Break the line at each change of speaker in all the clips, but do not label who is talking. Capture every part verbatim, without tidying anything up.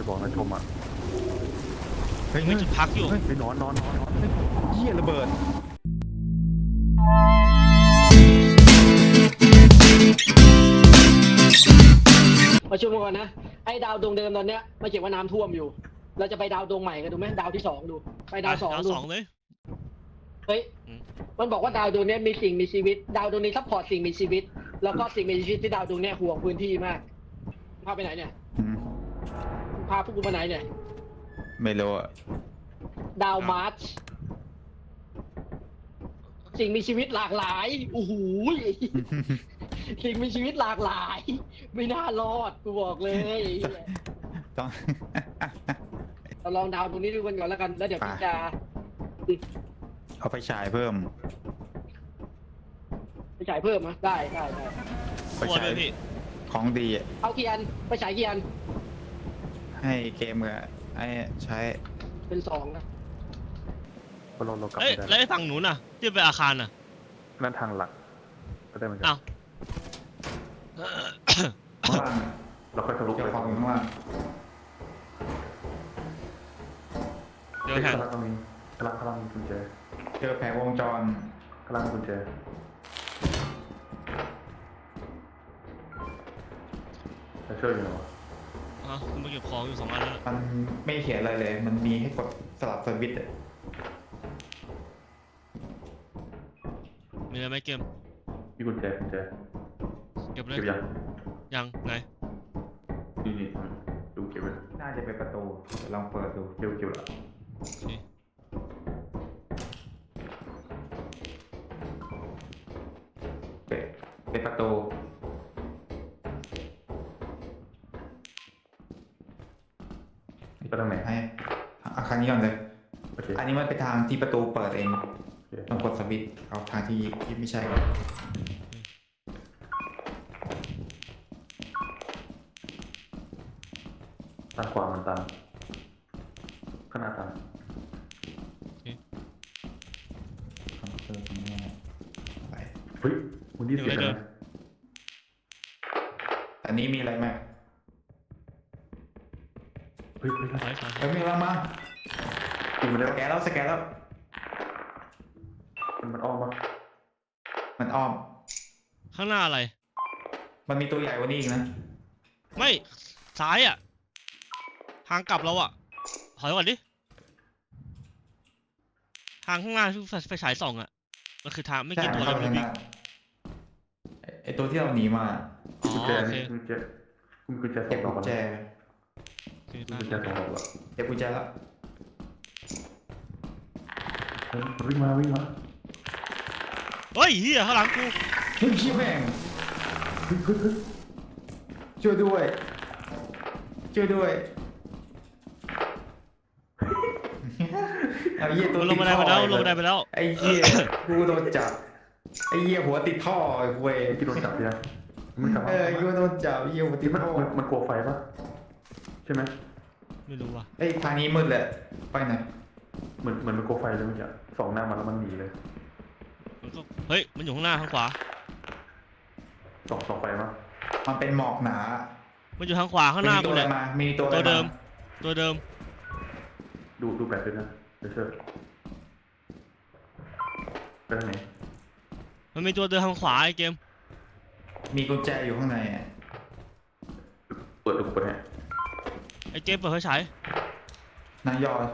จะบอกนะชมอ่ะ
เฮ้ยจุดพักอยู่
ไปนอนนอนนอนนอนเหี้ยระเบิด
มาชมก่อนนะไอ้ดาวดวงเดิมตอนเนี้ยมาเขียนว่าน้ำท่วมอยู่เราจะไปดาวดวงใหม่กันดูไหมดาวที่สองดูไปดาวสองดู
สองเลย
เฮ้ยมันบอกว่าดาวดวงนี้มีสิ่งมีชีวิตดาวดวงนี้ซัพพอร์ตสิ่งมีชีวิตแล้วก็สิ่งมีชีวิตที่ดาวดวงนี้ห่วงพื้นที่มากพาไปไหนเนี่ยพาพวกกูไปไหนเนี่ย
ไม่รู้อ่ะ
ดาวมาร์ชสิ่งมีชีวิตหลากหลายโอ้โหสิ่งมีชีวิตหลากหลายไม่น่ารอดกูบอกเลย
ต้อง
เราลองดาวตรงนี้ดูกันก่อนแล้วกันแล้วเดี๋ยวพี่จะ
เอาไปฉายเพิ่ม
ไปฉายเพิ่มนะได้ได้ได้
ไปฉายของดีอ่ะ
เอาเกียนไปฉายเกียน
ให้เกมกับไอ้ใช้
เป็นสองนะ
พอเราเรากลับ
เอ้ยแล้วไอ้ฝั่งหนูน่ะที่ไปอาคารน่ะ
นั่นทางหลักก็ได้เหมือนกัน
อ้าว
ข้างล่างเราค่อยทะลุไปข้างล่าง
เจอแผง
กำลังตรงนี้กำลังกำลังมีกุญแจเจอแผงวงจรกำลังกุญแจจะช่วยอยู่หรอ
อ๋อมาเก็บของอยู่สองอันแล้ว
มันไม่เขียนอะไรเลยมันมีให้กดสลับสวิตช์อ่ะ
มีอะไรไหมเกม
มีกุญแจกุญแจ
เก็บเลย
เก็บยัง
ยังไง
นี่นี่ดูเก็บไว้น่าจะเป็นประตูลองเปิดดูเก็บเก็บละเป็นเป็นประตูนี่ก็ทางไหนให้อาคารนี้ก่อนเลยอันนี้มันเป็นทางที่ประตูเปิดเองต้องกดสวิตช์เอาทางที่ที่ไม่ใช่ก่อนตาขวามันตันขนาดตันคอมพิวเตอร์ตรงนี้อะไรเฮ้ยคุณที่เสียงอะไรอันนี้มีอะไรไหมเฮ้ยเฮ้ยเฮ้ยมีอะไรมาสแกนแล้วสแกนแล้วมันอ้อมปะมันอ้อม
ข้างหน้าอะไร
มันมีตัวใหญ่กว่านี้อีกนะ
ไม่ซ้ายอ่ะทางกลับเราอ่ะถอยก่อนดิทางข้างหน้าที่ไฟฉายส่องอ่ะมันคือทางไม่กี่ตัวเลยพี่
ไอตัวที่เราหนีมา
อ๋อโอเค
กุญแจกุญแจเก็บกุญแจกุญแจสองดอกละเก็บกุญแจแล้ววิ่งมาวิ่งมา
เฮ้ยเฮียข้างหลังกู
เฮ้ยแม่งช่วยด้วยช่วยด้วยไอ้เหี้ยตัว
ลงมาได้ไปแล้วลงมาได้ไปแล้ว
ไอ้เหี้ยกูโดนจับไอ้เหี้ยหัวติดท่อไอ้เว้ยที่โดนจับเนี่ยเออกูโดนจับเหี้ยหัวติดท่อมันกลัวไฟปะใช่ไหม
ไม่รู้ว่ะ
ไอ้ทางนี้มืดเลยไปไหนเหมือนเหมือนมันกลัวไฟเลยเมื่อกี้สองหน้ามันแล้วมันหนีเลย
เฮ้ยมันอยู่ข้างหน้าข้างขวา
สองสองไฟมั้งมันเป็นหมอกหนา
มันอยู่ทางขวาข้างหน้ากูเลย
มีตัว
ตัวเดิมตัวเดิม
ดูดูแบบด้วยนะเดี๋ยวเชิญไปทางไหน
มันมีตัวเดินทางขวาไอ้เกม
มีกุญแจอยู่ข้างในเปิดดูเปิดให้
ไอ้เกมเปิดไฟฉาย
นายยอ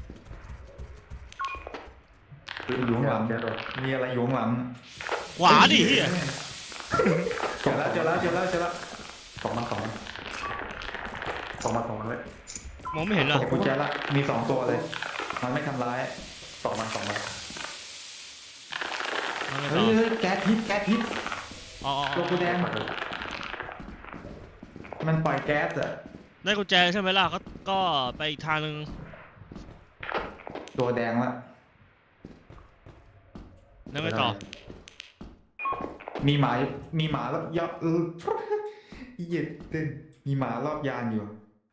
อยู่ข้างหลังมีอะไรอยู่ข้างหลัง
ขวาดิเฮีย
เจอแล้วเจอแล้วเจอแล้วเจอแล้วสองมาสองสองมาสองเลย
มองไม่เห็นเหรอ
กุญแจละมีสองตัวเลยมันไม่ทำร้ายสองมาสองมาเฮ้ยแก๊สพิษแก๊สพิษตัวกูแดงมันปล่อยแก๊สอะ
ได้กุญแจใช่ไหมล่ะก็ก็ไปอีกทางนึง
ตัวแดงละ
แล้วไงต่อ
มีหมามีหมารอบยอบอีเหี้ยตึ้งมีหมารอบยานอยู่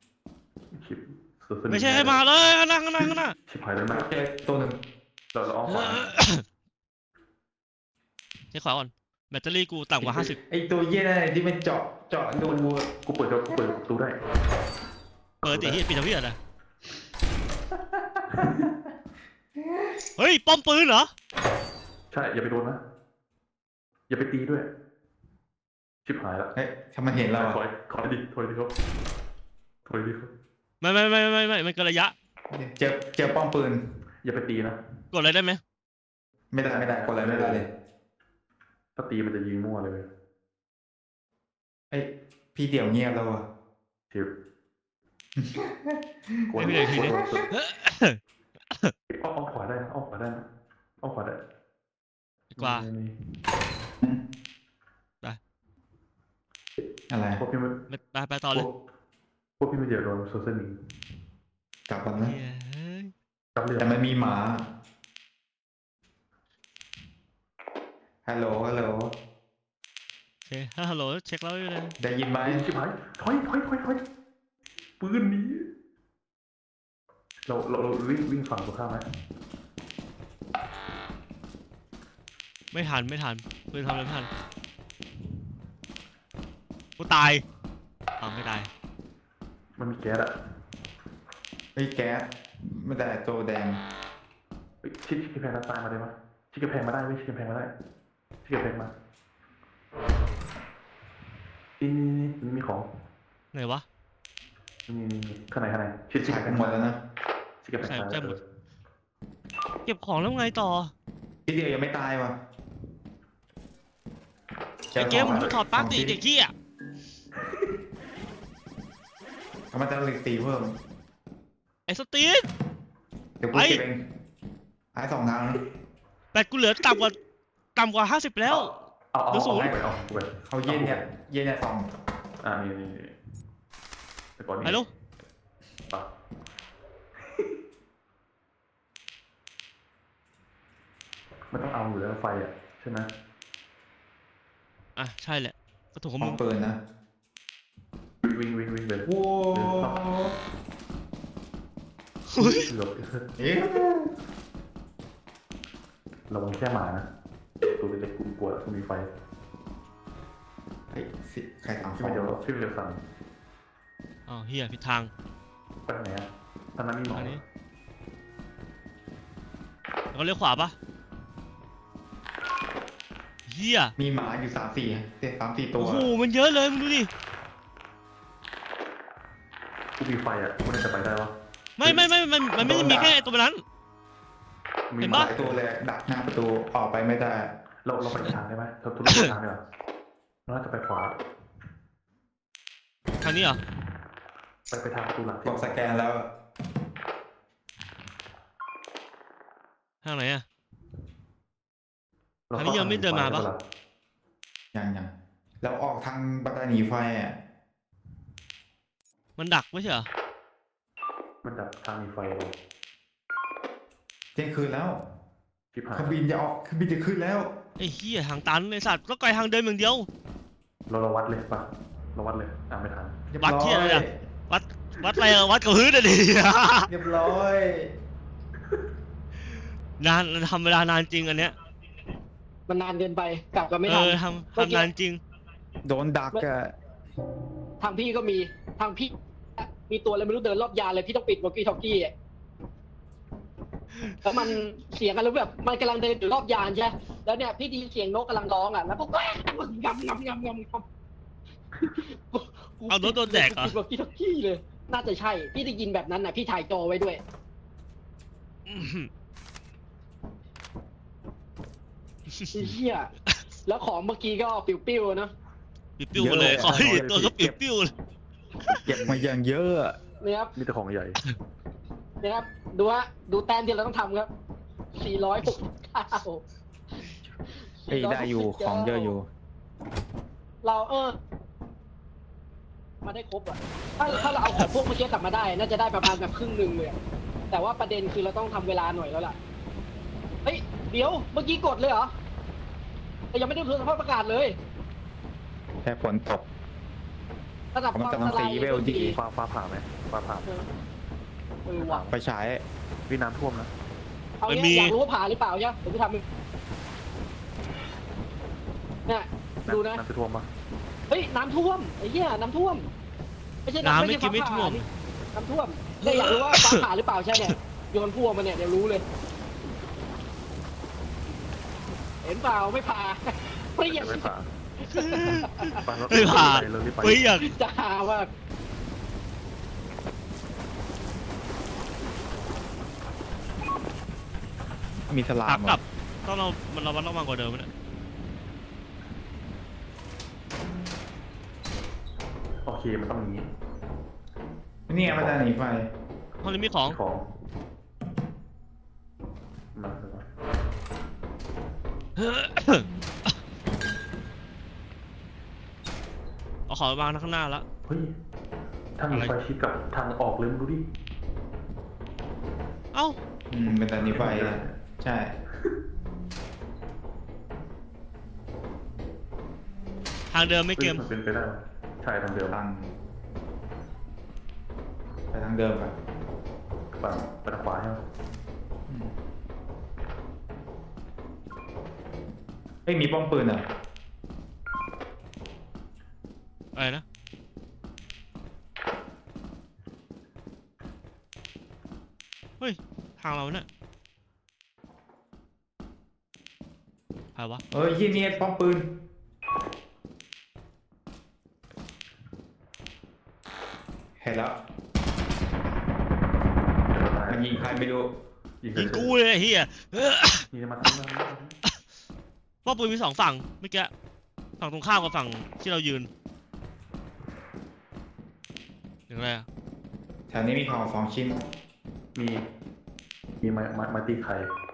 ไม่ใช่ให้มาเลยข้างหน้าข้างหน้าข้างหน้า
ชิบหายแล้วนะเจอตัวหนึ่งเราเราอ้อมขวา
ใช้ขวาก่อนแบตเตอรี่กูต่ำกว่าห้าสิบ
ไอตัวเหี้ยนั่นที่มันเจาะเจาะดูกูเปิดกูเปิดประตูได้
เปิดดิเฮียปิดทำเฮียนะเฮ้ยป้อมปืนเหรอ
ใช่อย่าไปโดนนะอย่าไปตีด้วยชิบหายละ
เฮ้ยถ้ามันเห็นเรา
ถอยถอยดิถอยดิครับถอยดิครับ
ไม่ไม่ไม่ไม่ไม่มันเกินระยะ
เจอเจอป้อมปืน
อย่าไปตีนะ
กดอะไรได้ไหม
ไม่ได้ไม่ได้กดอะไรไม่ได้เลย
ถ้าตีมันจะยิงมั่วเลย
เฮ้ยพี่เดี่ยวเงียบแล้ววะ
ทิว
ไม่เป็นไรทีนี้
อ้อมขวาได้อ้อมขวาได้อ้อมขวาได้
กว่า
ไปอะไร
พวกพี่ไม่
ไปไปต่อเลย
พวกพี่ไม่เดี๋ยวโดนโซเซนิง
กลับกันนะแต่มันมีหมาฮัลโหลฮัลโหล
โอเคฮัลโหลเช็คแล้วเลย
ได้ยินไหม
ชิบหายถอยถอยถอยถอยปืนนี้เราเราวิ่งวิ่งฝั่งตรงข้ามไหม
ไม่ทันไม่ทันปืนทำอะไรไม่ทันกูตายอ้าวไม่ตาย
มันมีแก๊สอะ
ไอ้แก๊สไม่ได้ตัวแดง
ชิดชิดกระแพงตายมาได้ไหมชิดกระแพงมาได้ไม่ชิดกระแพงมาได้ชิดกระแพงมานี่นี่นี่มีของ
ไหนวะ
นี่นี่ข้างในข้างในชิดชิด
กันหมดแล้วนะ
ชิดกระแพงตาย
เก็บของแล้วไงต่อ
ทีเดียวยังไม่ตายวะ
ไอเกมมึงถอดปลั๊กดิเด็กขี้อ่ะ
มันจะเลยตีเพิ่ม
ไอสตีน
เดี๋ยวกูเก็บเองหายสองทางนะ
แต่กูเหลือต่ำกว่าต่ำกว่าห้าสิบแล้ว
เหลือศูนย์
เขาเย็นเนี่ยเย็นเนี่ยสอง
อ่านี่นี่แต่ก่อนนี้
ฮัลโหล
มันต้องเอาอยู่แล้วไฟอ่ะใช่ไหม
อ่ะใช่แหละก็ถูกของมึง
ปืนนะ
วิ่งวิ่งวิ่งเลย
โว้
หลบเอ๊ะระวังแค่หมานะตัวเล็กๆกูปวดกูมีไฟ
ไอ้สิใครทำ
พี่เดียวพี่เดียวสั่ง
อ๋อเฮียผิดทาง
ไปไหนอ่ะตอนนั้นมีหมอ
นี้แล้วก็เลี้ยวขวาปะเฮีย
มีหมาอยู่สามสี่สามสี่ตัว
โอ้โหมันเยอะเลยมึงดูดิ
กูมีไฟอ่ะกูจะไปได้ปะ
ไม่ไม่ไม่มันมันไม่ได้มีแค่ตัวนั้น
เห็นปะตัวเลยดักหน้าประตูออกไปไม่ได้
เราเราไปทางได้ไหมเราทุกทางได้หรอเราจะไปขวา
ทางนี้เหรอ
ไปไปทางประตูหลัง
กดสแกนแล้ว
ทางไหนอะทางนี้ยังไม่เดินมาปะ
ยังยังแล้วออกทางบันไดหนีไฟอ่ะ
มันดักไม่ใช่เหรอ
มันดักทางหนีไฟเลย
เที่ยงคืนแล้วเครื่องบินจะออกเครื่องบินจะขึ้นแล้ว
ไอ้เหี้ยทางตันไอ้สัตว์ก็ไกลทางเดินอย่างเดียว
เราเราวัดเลยปะเราวัดเลยอ่ะไม่ทัน
วัดที่อะไรอะวัดวัดอะไรอะวัดกับพื้นอะดิ
เรียบร้อย
นานทำเวลานานจริงอันเนี้ย
มันนานเกินไปกลับก็ไม่ทัน
เออทำทำนานจริง
โดนดักอะ
ทางพี่ก็มีทางพี่มีตัวอะไรไม่รู้เดินรอบยานเลยพี่ต้องปิดวอลกี้ท็อกกี้แล้วมันเสียงอะไรแบบมันกำลังเดินอยู่รอบยานใช่แล้วเนี่ยพี่ได้ยินเสียงนกกำลังร้องอ่ะแล้วพวกก็งำงำงำงำงำ
เอารถโดนแดกอ่ะ
วอลกี้ท็อกกี้เลยน่าจะใช่พี่ได้ยินแบบนั้นน่ะพี่ถ่ายจอไว้ด้วยเฮียแล้วของเมื่อกี้ก็ปิ้วๆนะ
ปิ้วๆเลยขอให้ตัวก็ปิ้วๆเลย
เก็บมาอย่างเยอะ
เนี่ยครับ
มีแต่ของใหญ่
เนี่ยครับดูฮะดูแต้มที่เราต้องทำครับสี่ร้อยหกสิบเก้า
เฮ้ยได้อยู่ของเยอะอยู่
เราเออมาได้ครบอ่ะถ้าถ้าเราเอาของพวกเมื่อกี้กลับมาได้น่าจะได้ประมาณแบบครึ่งหนึ่งเลยแต่ว่าประเด็นคือเราต้องทำเวลาหน่อยแล้วล่ะเฮ้ยเดี๋ยวเมื่อกี้กดเลยเหรอแต่ยังไม่ได้ดูสภาพอากาศเลย
แค่ฝนตก
ระดับความอันตราย
ดี
ฟ้าฟ้าผ่าไหมฟ้าผ่า
เออว่ะ
ไปใช้
วิน้ำท่วมนะ
เอาเนี่ยอยากรู้ว่าผ่าหรือเปล่าใช่ไหมเดี๋ยวกูทำเนี่ยดูนะ
น้ำจะท่วมปะ
เฮ้ยน้ำท่วมไอ้เหี้ยน้ำท่วม
ไม่ใช่น้ำไม่กินไม่ท่วม
น้ำท่วมเนี่ยอยากรู้ว่าฟ้าผ่าหรือเปล่าใช่เนี่ยโยนพวกมันเนี่ยเดี๋ยวรู้เลย เห็นเปล่าไม่ผ่าเปรี้ยง
ไม่ผ่า
ไม่ผ่า
เรารีบไป
เฮ้ยอยาก
จะหาว่า
มีสลา
ขาม
เหร
กลั
อบ
ต้องเรามันเรามันต้องมากกว่าเดิมเนี่ย
โอเคมันต้องอย่างนี้
นี่ไงมันจะหนีไฟ
ห้องนี้มีของ
ของมาเลย
เอาของไปวางข้างหน้าแล้ว
เฮ้ยถ้ามี
อะไร
ไฟชิดกับทางออกเลยมึงดูดิ
เอ้า
อืมเป็นแต่หนีไฟนะใช่
ทางเดิมไม่เกม
ฮ้ยมันเป็นไปได้ไหมใช่ทางเดิม
ทางไปทางเดิมก่อน
ฝั่งไปทางขวาใช่ไหม
อืมเฮ้ยมีป้อมปืนเหรอ
อะไรนะเฮ้ยทางเราเนี่ยใครวะ
เอ้ยยี่นี่ป้อมปืนเห็นแล้วมันยิงใครไม่รู้
ยิง
ยิงกูเลยไอ้เฮีย
ยิงมาทั้งนั้น
ป้อมปืนมีสองฝั่งเมื่อกี้ฝั่งตรงข้ามกับฝั่งที่เรายืนอย่างไรอะ
แถวนี้มีของสองชิ้น
มีมีไม้ไม้ไม้ตีไข่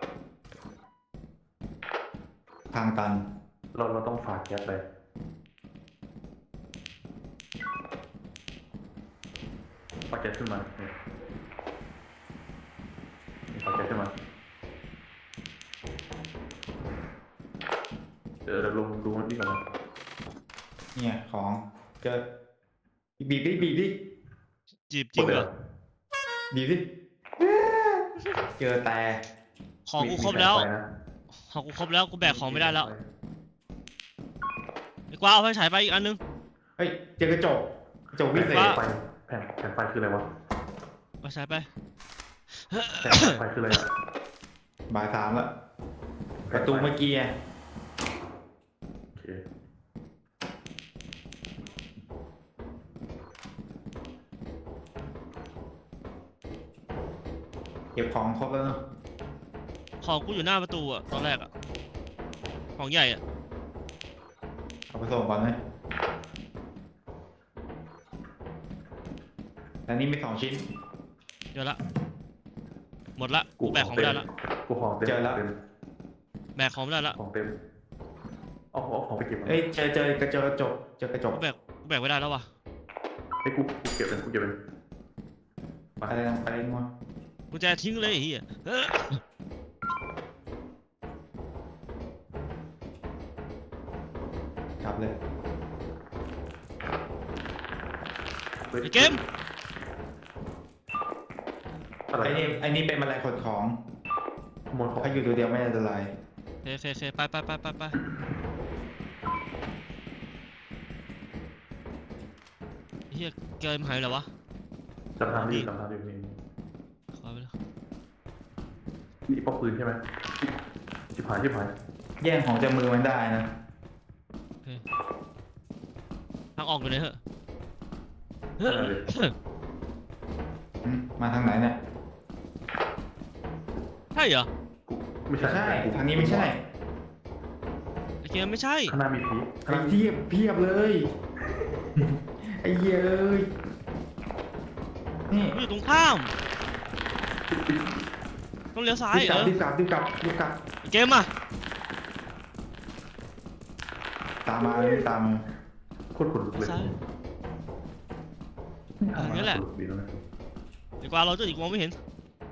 ทางตัน
เราเราต้องฝากแก๊สไปฝากแก๊สขึ้นมาเนี่ยฝากแก๊สขึ้นมาเดี๋ยวเราลงดูนี่ก่อนนะ
เนี่ยของเจอบีบดิบีบดิ
จีบจริงเหรอ
บีบดิเจอแต่
ของกูครบแล้วของกูครบแล้วกูแบกของไม่ได้แล้วไอ้กวางเอาไฟฉายไปอีกอันนึง
เฮ้ยเจอกระจกกระจกวิเศษ
ว่า
ไฟแผ่นแผ่นไฟคืออะไรวะ
ไฟฉายไป
แผ่นไฟคืออะไรอะ
บ่ายสามแล้วประตูเมื่อกี้ไง
โอเค
เก็บของครบแล้วเนาะ
ของกูอยู่หน้าประตูอะตอนแรกอะของใหญ่อะ
เอาไปส่งก่อนไหมแต่นี่มีสองชิ้น
เดี๋ยวละหมดละกูแบกของไม่ได้ละ
กูของเต็ม
เจอแล้ว
ต็ม
แบกของไม่ได้ละ
ของเต็มเอาเอาของไปเก็บก่อน
เอ้ยเจอเจอกระจกกระจกเจอกระจก
กูแบกกูแบกไม่ได้แล้ววะ
ไอ้ยกูกูเก็บเป็นกูเก็บเป็น
อะไรนะอะไรนัว
กูจะทิ้งเลยไอ้เหี้ยเออ
กลับเลย
ฮ้ย
ไอ้เกม
อะไร
ไอ้นี่ไอ้นี่เป็นแมลงขดของ
ขโมยของ
ถ้าอยู่ตัวเดียวไม่อันตราย
เคเคเคไปไปไปไปไปเฮียเกมหายไปแล้ววะ
จำทางดิจำทางดินี่
ขอไปแล้ว
นี่ป้อมปืนใช่ไหมชิบหายชิบหาย
แย่งของจากมือมันได้นะ
ทางออกอยู่ไหนเหรอ
อะไรเลย
อืมมาทางไหนเนี่ย
ใช่เหรอ
กูไม่ใช่
ใช่
กู
ทางนี้ไม่ใช่
ไอ้เกมไม่ใช่
ข้างหน้ามีผีข้างห
ไอ้
น้า
เทียบเพียบเลย ไอ้เหี้ยเอ้ยนี่
กูอยู่ตรงข้ามต้องเลี้ยวซ้าย
รีบ
เอก
ลับ
อ
รีบกลับรีบกลับรีบกลับ
ไอ้เกมอ่ะ
ตามมารีบตามมา
โคตรขนลุกเลย
ซ้ายเออนี่แหละ
ขนลุกดีแล้วนะ
ไอ้กวางเราเจออีกมองไม่เห็น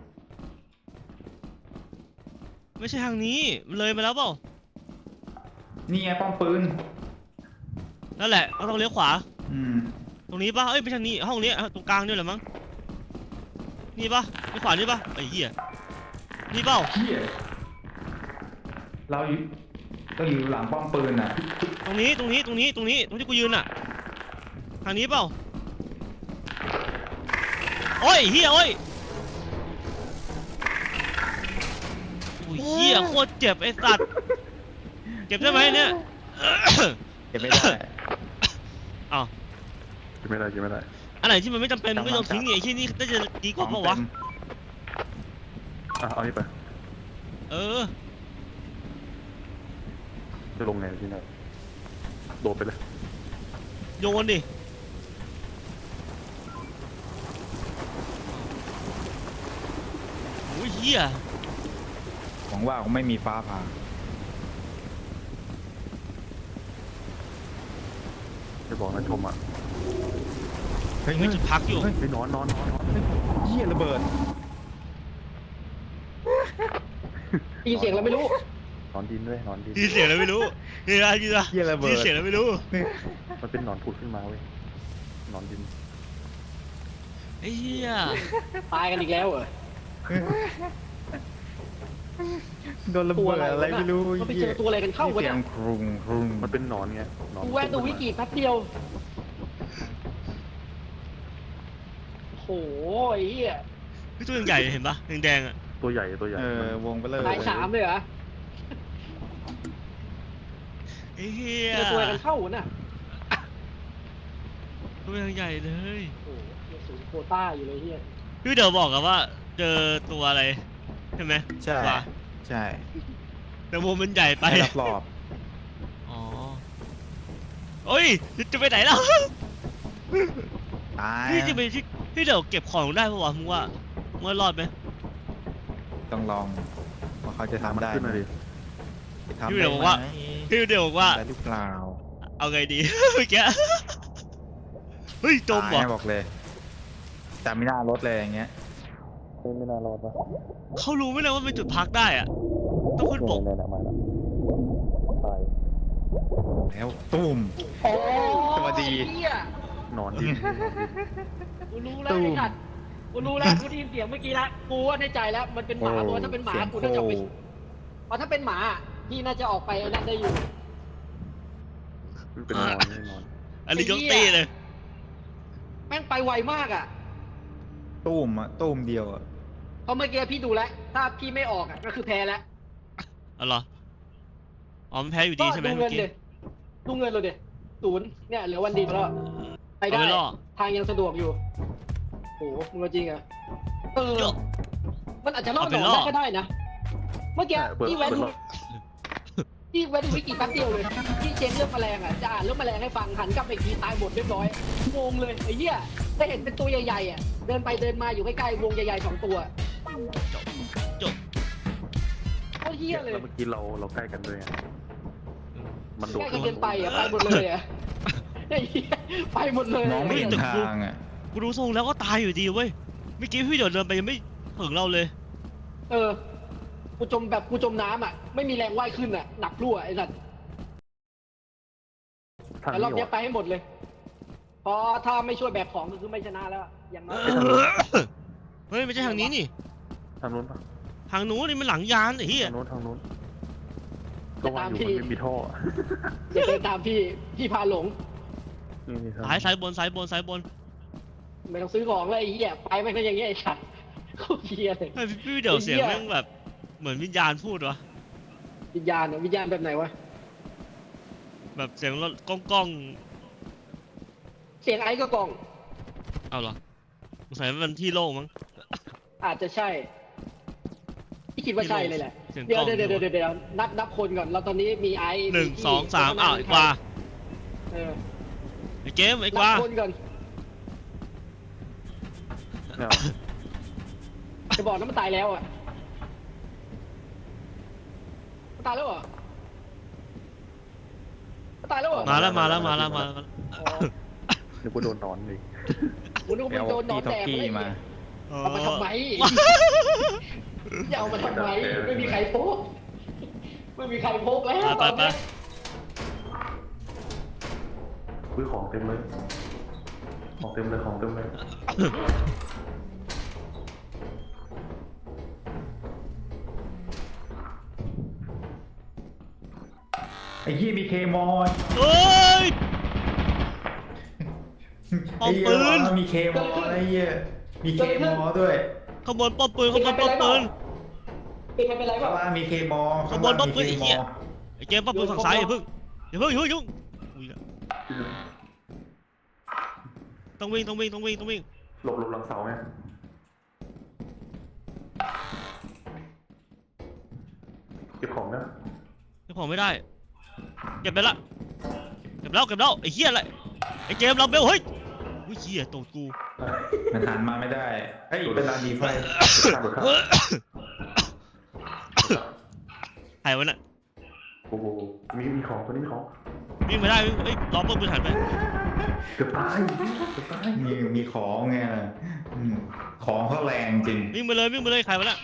ไม่ใช่ทางนี้มันเลยมาแล้วเปล่า
นี่ไงป้อมปืน
นั่นแหละเราต้องเลี้ยวขวา
อืม
ตรงนี้ป่ะเอ้ยไม่ใช่นี่ห้องนี้ตรงกลางนี่แหละมั้งนี่ป่ะนี่ขวานี่ป่ะไอ้เหี้ยนี่เปล่า
เหี้ยเราอยู่ต้องอยู่หลังป้อมปืนน่ะ
ตรงนี้ตรงนี้ตรงนี้ตรงนี้ตรงที่กูยืนอ่ะทางนี้เปล่าโอ้ยเฮียโอ้ยโอ้ยเฮียโคตรเจ็บไอ้สัตว์เจ็บได้ไหมเนี่ย
เก็บไม่ได้
อ้าว
กินไม่ได้กินไม่ได้
อันไหนที่มันไม่จำเป็นไม่ต้องทิ้งเนี่ยไอ้ที่นี่น่าจะดีกว่าเปล่าวะ
อ่ะเอานี่ไป
เออ
จะลงไงที่ไหนโดดไปเลย
โยนดิโอ้ยเฮีย
หวังว่าคงไม่มีฟ้าผ่า
จะบอกนะชมอ่ะ
เฮ้ย
ไม่จุดพักอยู่
เฮ้ยไปนอนนอนนอนนอน
เหี้ยระเบิด
ได้ยินเสียงแล้วไม่รู้
นอนดินด้วยนอนดิน
ยินเสียงแล้วไม่รู้นี่นะยินนะ
เหี้ยระเบิด
ยินเสียงแล้วไม่รู้
มันเป็นหนอนผุดขึ้นมาเว้ยหนอนดิน
ไอ้เหี้ย
ตายกันอีกแล้วเหรอ
โดนระเบิดอะไรไม่รู้
มันไปเจอตัวอะไรกันเข้ากัน
เสีย
เนี่ย
งครุงครุง
มันเป็นหนอนไงหนอน
กูแวะดูวิกิแป๊บเดียวโหไอ้เหี้ย
พี่ตัวใหญ่ๆเห็นปะแดงๆอ่ะ
ตัวใหญ่ตัวใหญ่
เออวงไปเลย
ตายสามเลยเหรอ
ไอ้เหี้ย
เจอตัวอะไรกันเข้าน่ะ
ตัวใหญ่เลย
โอ้โหยังสูงโควต้าอยู่เลยเหี้ย
พี่เดี๋ยวบอกกันว่าเจอตัวอะไรใช่ไหม
ใช่
วะ
ใช่
แต่วงมันใหญ่ไป
ไม่รับรอบ
อ๋อโอ้ยจะไปไหนแล้ว
ตาย
พี่จะไปที่พี่เดี๋ยวเก็บของได้ปะวะมึงว่ามึงว่ารอดไหม
ต้องลองว่าเขาจะ
มัน
ทำได้
ขึ้น
ไหม
มาดิ
ทำ
พี่
ได้
เดี๋ยวบอก
ไหม
ว่าพี่เดี๋ยวบอกว่า
ได้หรือเปล่า
เอาไงดี เมื่อกี้เฮ้ยจมเหรอ
ตายบอกเลยแต่ไม่น่ารถเลยอย่างเงี้ย
ไม่น่ารอดปะ
เขารู้ไหมเนี่ยว่าเป็นจุดพักได้อะต้องขึ้นบก
เนี่ยเนี่ยมาแล้วตาย
แล้วตุ้ม
โอ้
สวัสดี
ไอ้เหี้ย
นอนดิน
กูรู้แล้วไอ้สัตว์กูรู้แล้วกูได้ยินเสียงเมื่อกี้แล้วกูว่าในใจแล้วมันเป็นหมาเพราะว่าถ้าเป็นหมา
เสียง
กูน่าจะออกไป
โค
เพราะถ้าเป็นหมาพี่น่าจะออกไปนั่นได้อยู่
มันเป็นนอนไม่นอน
อันนี้ยกตีเลย
แม่งไปไวมากอ่ะ
ตุ้มอะตุ้มเดียวอะ
เพราะเมื่อกี้พี่ดูแล้ว ถ้าพี่ไม่ออกอ่ะก็คือแพ้แล้ว
เอาเหรออ๋อมันแพ้อยู่
ก็
ดีใช่ไหม
ดู
เมื่
เงิ
อน กี้
เลยดูเงินเลยเดศูนย์เนี่ยเหลือวันเดียวแล้วไปได้
เอาไปล่อ
ทางยังสะดวกอยู่โอ้โหมึงเอาจริงเหรอ่ะเออ
เยอะ
มันอาจจะล่อ
เอา
ห
ไป
นอน
ล่อ
ได้ก็ได้นะ เมื่อกี้
ใช่เปิด
พี่แวะ
เปิด
ดู
รอบ
พี่แวะดูวิกิแป๊บเดียวเลยพี่เช็คเรื่องแมลงอ่ะจะอ่านเรื่องแมลงให้ฟังหันกลับไปอีกทีตายหมดเรียบร้อยงงเลยไอ้เหี้ยได้เห็นเป็นตัวใหญ่ๆอ่ะเดินไปเดินมาอยู่ใกล้ๆวงใหญ่ๆสองตัว
จบจบ
โคตรเหี้ยเลย
แล้วเมื่อกี้เราเราใกล้กันด้วยไงมันโดด
ใกล้กันเกินไปอ่ะไปหมดเลยอ่ะไอ้เหี้ยไปหมดเลย
มองไม่เห็นทางอะ
กูดูทรงแล้วก็ตายอยู่ดีเว้ยเมื่อกี้พี่เดี๋ยวเดินไปยังไม่ถึงเราเลย
เออกูจมแบบกูจมน้ำอ่ะไม่มีแรงว่ายขึ้นอ่ะหนักรั่วไอ้สัตว์
ทาง
แต่รอบ
นี้
เนี้
วะ
ยไปให้หมดเลยเพราะถ้าไม่ช่วยแบกของก็คือไม่ชนะแล้วอย่างน้อย
เฮ้ยไม่ใช่ทางนี้นี่
ทางนู้นปะ
ทางนู้นนี่มันหลังยานไอ้เหี้ย
ทางนู้นทางนู้นก็ว่าอยู่มันไม่มีท่อ
อย่าเดินตามพี่พี่พาหลง
นี่นี่ทาง
ซ้ายซ้ายบนซ้ายบนซ้ายบน
ไม่ต้องซื้อของเลยไอ้เหี้ยไปไม่ก็อย่างเงี้ยไอ้สัตว์โคตรเหี้ยเลย
เฮ้ยพี่เดี๋ยวเสียงแม่งแบบเหมือนวิญญาณพูดวะ
วิญญาณเนี่ยวิญญาณแบบไหนวะ
แบบเสียงรถก้องก้อง
เสียงไอ้ก็กล่อง
ๆเอาเหรอสงสัยมันที่โล่งมั้ง
อาจจะใช่พี่คิดว่าใช่เลยแหละ
เสียง
เดี๋
ก
ยว
ล้อง
เดี๋ยวเดี๋ยวเดี๋ยวเดี๋ยวนับนับคนก่อนเราตอนนี้มีไอ้
หนึ่ง
พี่
สองสาม
พี่
อ้าวไอ้กวา
เออ
ไอ้เกมไอ้ก
นั
วา
บคนก่อน
เนี่ย
จะบอกนะมันตายแล้วอ่ะมันตายแล้วเหรอมันตายแล้วเหรอ
มาแล้วมาแล้วมาแล้วมาแล้ว
อ๋อ
เดี๋ยวกูโดนนอนเลย
กูนึกว่ามันโดนหนอนแดก
พี่
เลย
มา
เอามาทำไมอย่าเอามาทำไมไม่มีใครพกไม่มีใครพกแล้ว
ไปไปไป
ซื้อของเต็มเลย ของเต็มเลยของเต็มเลย
ไอ้ยี่มีเคมอน
เฮ้ย เอาปืน
มีเคมอนไอ้เหี้ยมีเคมอด้วย
ขบวนป้อมปืนขบวนป้อมปืน
เป็นใครเป็นไรเป
ข้าง
ล่า
ล่างมีเคมอ
ขบวนป้อมปืนไอ้เหี้ยไอ้เกมป้อมปืนฝั่งซ้ายอย่าเพิ่งอย่าเพิ่งอย่าเพิ่งยุ่งอุ้ยต้องวิ่งต้องวิ่งต้องวิ่งต้องวิ่ง
หลบหลบหลังเสาไงเก็บของนะ
เก็บของไม่ได้เก็บไปละเก็บแล้วเก็บแล้วไอ้เหี้ยอะไรไอ้เกมเราเบลเฮ้ยอุ้ยเหี้ยตกกู
มันหันมาไม่ได้เฮ้ยเป็นลานดีไฟ
ข้ามข้าม
หายวะน่ะ
โอ้โหมีมีของคนนี้มีของ
วิ่งไม่ได้วิ่งเอ้ยล้อมป้อมปืนหันไป
เกือบตายเกือบตาย
มีมีของไงอืมของเขาแรงจริง
วิ่งไปเลยวิ่งไปเลยใครวะน่ะ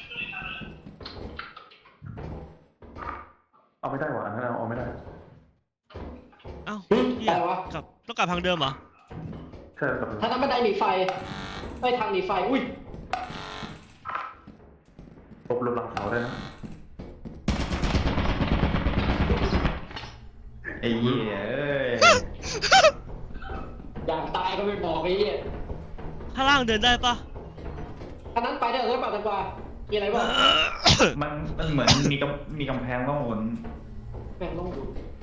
เอาไม่ได้ว่ะอันนั้นเอาไม่ได้
เอ้าเหี้ยกลับต้องกลับทางเดิมเหรอ
ใช่กับ
ถ้าทำบันไดหนีไฟไม่ทางหนีไฟอุ้ย
หลบหลบหลังเสาได้นะ
ไอ้เหี้ยเอ้ย
อยากตายก็ไม่บอกไอ้เหี้ย
ข้างล่างเดินได้ปะ
อันนั้นไปได้หรือเปล่าตังกวามีอะไรบ้าง
มันมันเหมือนมีกำมีกำแพงข้างบน
แม่งต้องดู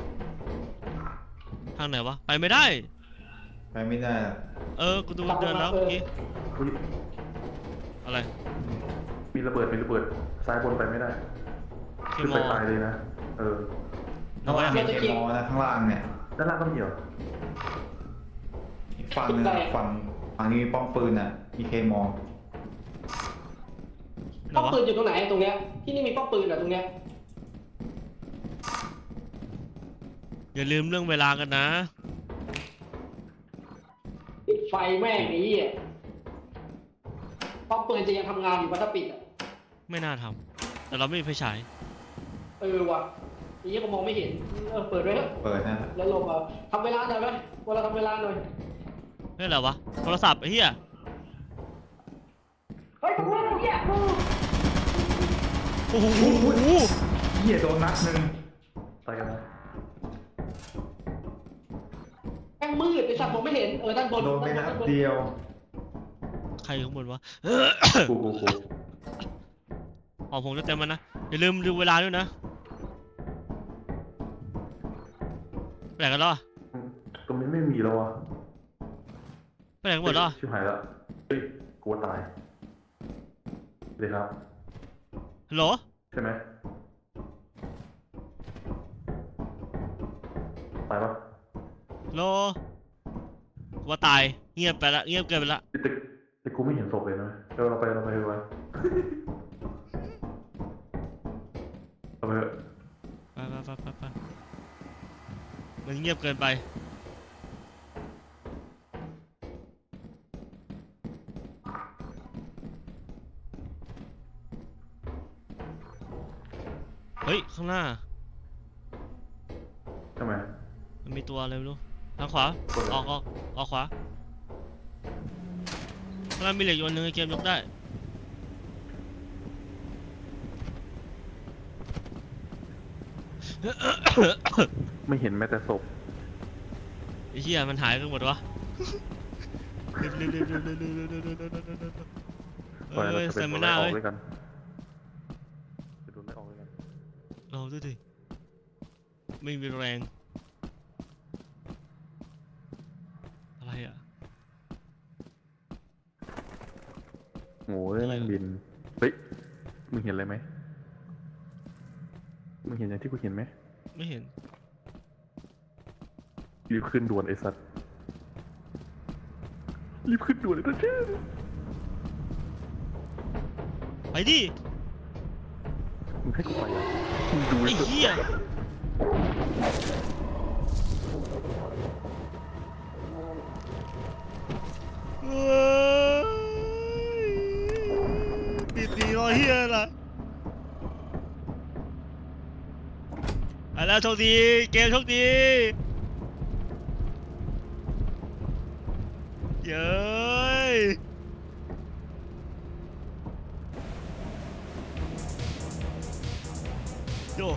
ทางไหนวะไปไม่ได้
ไปไม่ได้อะ
เออกูดูเดินแล้วเมื่อกี้
อุ๊ย
อะไร
มีระเบิดมีระเบิดซ้ายบนไปไม่ได้
เค
ขึ้น
ม
ไป
อ
ตายเลยนะเออ
ข้างล่างมีเคมอนะข้างล่างเนี่ย
ด้านล่างก็มีเหรอ
อีกฝั่งนึงอะฝั่งฝั่งนี้มีป้อมปืนอ่ะมีเคมอ
ไหน
ป้อม
วะ
ปืนอยู่ตรงไหนตรงเนี้ยที่นี่มีป้อมปืนเหรอตรงเนี้ย
อย่าลืมเรื่องเวลากันนะ
ปิดไฟแม่งไอ้เหี้ยป้อมปืนจะยังทำงานอยู่ปะถ้าปิดอ่ะ
ไม่น่าทำแต่เราไม่มีไฟฉาย
เออว่ะไอ้เหี้ยก็มองไม่เห็นเออเปิดไว้เถอะ
เปิดนะ
แล้วลงมาทำเวลาหน่อยไหมวันเราทำเวลาหน่อย
เฮ้ยอะไรวะโทรศัพท์ไอ้เหี้ย
เฮ้ยผมว่าไอ้เหี้ย
โอ้โห
เหี้ยโดนนัดหนึ่ง
ตายกันนะ
แม่งมืดไอ้สัตว์มองไม่เห็นเออด้านบน
โดนไปนั
ด้า
ด
บน
เดียว
ใครข้างบนวะ
กูกูกู
อ๋อผมจะเต็มมันนะอย่าลืมดูเวลาด้วยนะไปไหนกันแล้วอะ
ตรงนี้ไม่มีแล้วอ่ะ
ไปไหนกันหมดแล้วอะ
ชิบหายแล้วเฮ้ยกลัวตายเลยครับ
ฮัลโหล
ใช่ไหมตายปะ
ฮัลโหลว่าตายเงียบไปละเงียบเกินไปละ
แต่แต่กูไม่เห็นศพเลยนะเดี๋ยวเราไปเราไปดูไว้เราไปเถอะ
ไปไปไปไปไปมันเงียบเกินไปเฮ้ยข้างหน้า
ทำไม
มันมีตัวอะไรไม่รู้ทางขวา
กดเลย
ออกออกออกขวาข้างหน้ามีเหล็กอยู่อันหนึงไอ้เกมยกได้
ไม่เห็นแม้แต่ศพ
ไอ้เหี้ยมันหายไปหมดวะเร็วเร็วเร็วเร็วเร็วเร็วเร็วเร็วเร็วเร็วเร็วเร็วเร็ว
ปล่อยเรา
เอ้ย
จะ
เซ
เป็น
มิ
ไล่
นา
ออก
เว้ย
ด้วยกันจะโดนไล่ออกด้วยกัน
เราด้วยดิไม่มีแรงอะไรอ่ะ
โอ้ยแม่งบินเฮ้ยมึงเห็นอะไรไหมมึงเห็นอย่างที่กูเห็นไหม
ไม่เห็น
รีบขึ้นด่วนไอ้สัตว์รีบขึ้นด่วนไอ้สัตว์
ไปดิ
มึงให้กูไปอ่ะมึงดู
ไอ้
ไอ้สัตว์
เหี้ยเอ้ยติดดีรอยเหี้ยล่ะไปแล้วโชคดีเกมโชคดีเย้ยโย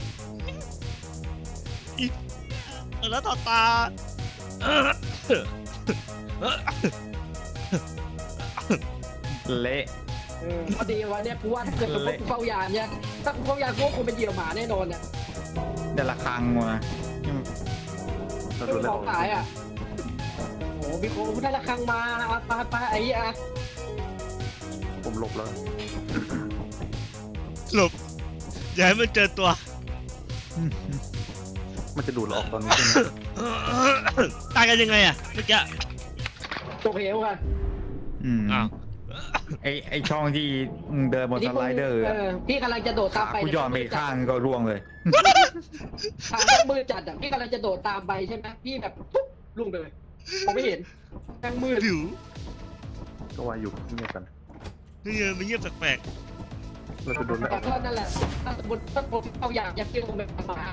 อีกแล้วต่อตา
เละ
เออพอดีวันเนี้ยกูว่าถ้าเกิดเป็นพวกกูเฝ้ายามเนี่ยถ้ากูเฝ้ายามกูก็คงเป็นเหยี่ยวหมาแน่นอนเนี่ย
แต่ละครั้งว่ะ
เรา
เรื่
โด
อน ง
ไล่
ข
อ
อ
อง ก
ขายอ่ะโอ้โหมีคนได้ละครังมาปาปาไอ้เหี้ย
ผมหลบแล้ว
หลบอย่าให้มันเจอตัว
มันจะดูดเราออกตอนนี้ใช่ไหม
ตายกันยังไงอะเมื่อกี้
ตกเหวอ่ะ
อืม
อ้าว
ไอไอช่องที่มึงเดินบนสไลเดอร์
เอ
อะ
อพี่กำลังจะโดดตาม
ขา
ไป
กูหย่อนไปอีกข้างก็ร่วงเลย
ทางแม่งมืดจัดอ่ะพี่กำลังจะโดดตามไปใช่ไหมพี่แบบปุ๊บลุ่งไปเลยมองไม่เห็นแม่งมืด
ผิว
ก็วายอยู่เงียบกัน
เฮ้ยมันเงียบแปลก
เราจะโดนไล่อ
แต่
อก
ก็นั่นแหละถ้าสมมติถ้าผมเอาอย่างยัดเยียดลงไปประมาณ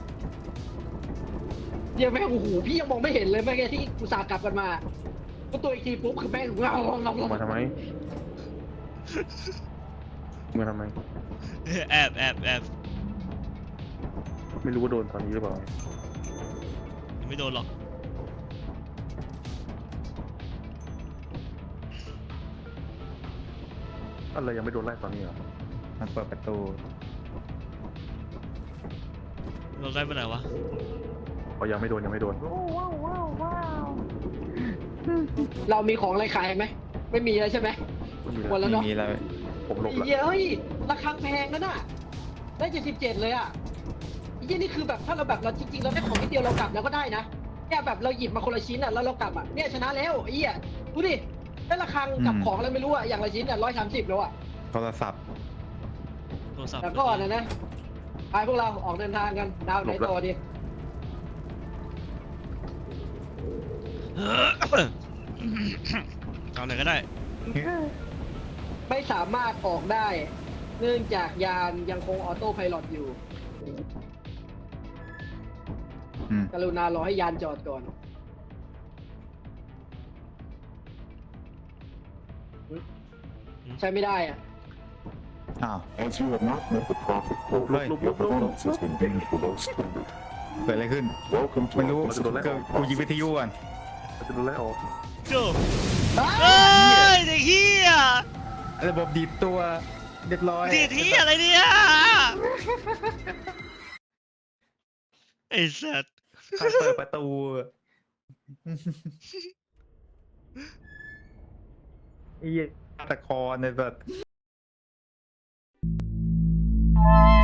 เยี่ยแม่งโอ้โหพี่ยังมองไม่เห็นเลยแม่งที่อุตส่าห์กลับกันมาก็ตัวอีกทีปุ๊บคือแม่งเงาเงาเงา
ออกมาทำไมมาทำไม
ๆแอบแอบแอบ
ไม่รู้ว่าโดนตอนนี้หรือเปล่า
ยังไม่โดนหรอก
อะไรยังไม่โดนไล่ตอนนี้เหรอ
มันเปิดประตู
เราได้ไปไหนวะ
อ๋อยังไม่โดนยังไม่โดน
เรามีของอะไรขายไหมไม่มีแล้วใช่ไหม
ไม่มี
หมด
แล้ว
แล้ว
ไม่
เนาะ
มีอะไร
ผมหลบ
ไอ้
แล้ว
เหี้ยเฮ้ยราคาแพงนะน่ะได้เจ็ดสิบเจ็ดเลยอ่ะไอ้เหี้ยนี่คือแบบถ้าเราแบบเราจริงๆเราได้ของนิดเดียวเรากลับแล้วก็ได้นะเนี่ยแบบเราหยิบมาคนละชิ้นอ่ะแล้วเรากลับอ่ะเนี่ยชนะแล้วไอ้เหี้ยดูดิได้ราคากับของอะไรไม่รู้อ่ะอย่างละชิ้นอ่ะร้อยสามสิบแล้วอ่ะ
โทรศัพท์
โทรศัพท์
แต่ก่อนนะนะไปพวกเราออกเดินทางกันดาวไหนต่อดี
เอาไหนก็ได้
ไม่สามารถออกได้ เนื่องจากยานยังคงออโต้ไพลอตอยู่
อืม
กรุณารอให้ยานจอดก่อน ใช้ไม่ได้อ่ะ
อ้าว
As you have not met the profit quota,
Right.
your performance has been deemed below standard.
เกิดอะไรขึ้น
Welcome
ไม่
to
รู้
our
ก็กูยิงวิทยุก่อน
เราจะโดนไล่ออก
โจเอ้ยเด็กเฮีย
ระบบดีดตัวเรียบร้อย
ดีดเฮียอะไรเนี่ยไอ้สัตว์
ใครเปิดประตูไอ้เหี้ยตะคอในแบบ